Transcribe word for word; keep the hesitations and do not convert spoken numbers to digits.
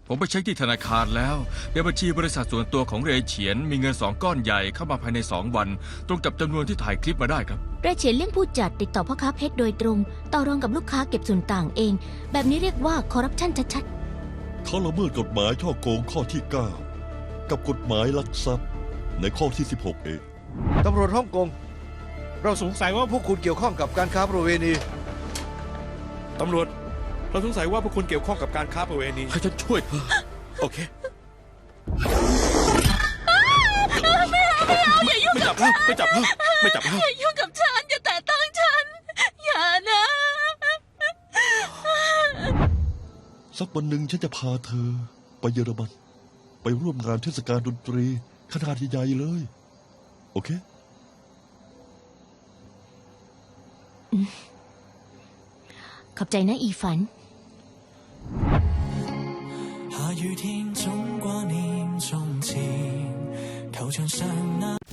ผมไปเช็คที่ธนาคารแล้วในบัญชีบริษัทส่วนตัวของเรเฉียนมีเงินสองก้อนใหญ่เข้ามาภายในสองวันตรงกับจำนวนที่ถ่ายคลิปมาได้ครับเรเฉียนเลี่ยงผู้จัดติดต่อพ่อค้าเพชรโดยตรง ต่อรองกับลูกค้าเก็บส่วนต่างเอง แบบนี้เรียกว่าคอร์รัปชันชัดเขาละเมิดกฎหมายช่อโกงข้อที่เก้ากับกฎหมายลักทรัพย์ในข้อที่สิบหกเองตำรวจฮ่องกงเราสงสัยว่าพวกคุณเกี่ยวข้องกับการค้าประเวณีตำรวจ เราสงสัยว่าพวกคุณเกี่ยวข้องกับการค้าประเวณีให้ฉันช่วยเธอโอเคไม่เอาไม่เอาอย่ายุ่งไม่จับแล้วไม่จับแล้วไม่จับแล้วอย่ายุ่งกับฉันอย่าแตะต้องฉัน อย่านะสักวันหนึ่งฉันจะพาเธอไปเยอรมัน ไปร่วมงานเทศกาลดนตรีขนาดใหญ่ๆเลย โอเคขอบใจนะอีฝัน下雨天總掛念從前，球場上那